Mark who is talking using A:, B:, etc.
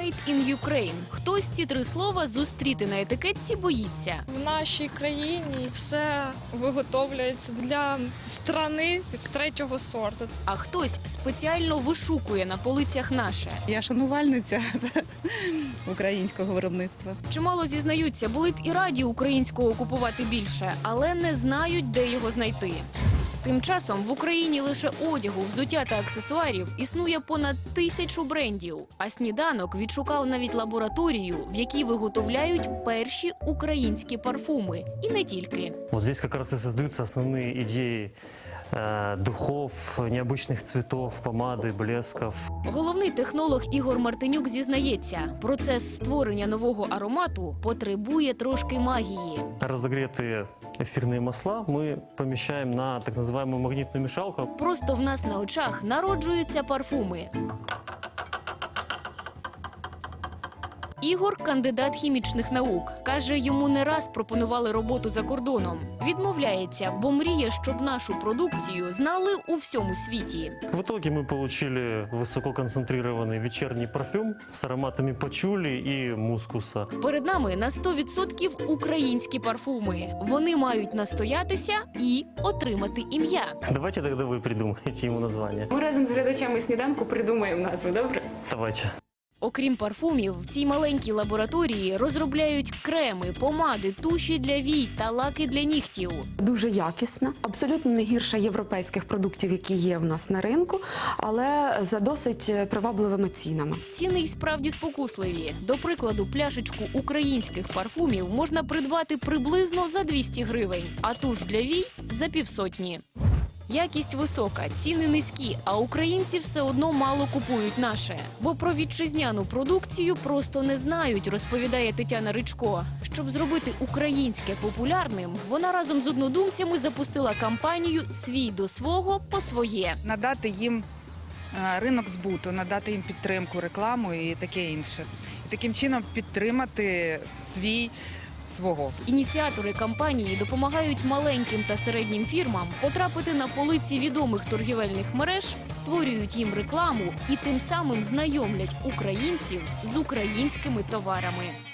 A: «Made in Ukraine». Хтось ці три слова зустріти на етикетці боїться.
B: В нашій країні все виготовляється для страни третього сорту.
A: А хтось спеціально вишукує на полицях наше.
C: Я шанувальниця українського виробництва.
A: Чимало зізнаються, були б і раді українського купувати більше, але не знають, де його знайти. Тим часом в Україні лише одягу, взуття та аксесуарів існує понад 1000 брендів. А «Сніданок» відшукав навіть лабораторію, в якій виготовляють перші українські парфуми. І не тільки.
D: Вот здесь как раз и создаются основные идеи духов, необычных цветов, помады, блесков.
A: Головний технолог Ігор Мартинюк зізнається, процес створення нового аромату потребує трошки магії.
D: Разогретые эфирные масла мы помещаем на так называемую магнитную мешалку.
A: Просто в нас на очах народжуються парфуми. Ігор – кандидат хімічних наук. Каже, йому не раз пропонували роботу за кордоном. Відмовляється, бо мріє, щоб нашу продукцію знали у всьому світі.
D: В итоге мы получили высококонцентрированный вечерний парфюм с ароматами пачули и мускуса.
A: Перед нами на 100% українські парфуми. Вони мають настоятися і отримати ім'я.
D: Давайте тогда вы придумаете ему название.
E: Ми разом з глядачами «Сніданку» придумаємо назву, добре?
D: Давайте.
A: Окрім парфумів, в цій маленькій лабораторії розробляють креми, помади, туші для вій та лаки для нігтів.
F: Дуже якісна, абсолютно не гірша європейських продуктів, які є в нас на ринку, але за досить привабливими цінами.
A: Ціни й справді спокусливі. До прикладу, пляшечку українських парфумів можна придбати приблизно за 200 гривень, а туш для вій – за 500. Якість висока, ціни низькі, а українці все одно мало купують наше. Бо про вітчизняну продукцію просто не знають, розповідає Тетяна Ричко. Щоб зробити українське популярним, вона разом з однодумцями запустила кампанію «Свій до свого по своє».
G: Надати їм ринок збуту, надати їм підтримку, рекламу і таке інше. І таким чином підтримати свого.
A: Ініціатори кампанії допомагають маленьким та середнім фірмам потрапити на полиці відомих торгівельних мереж, створюють їм рекламу і тим самим знайомлять українців з українськими товарами.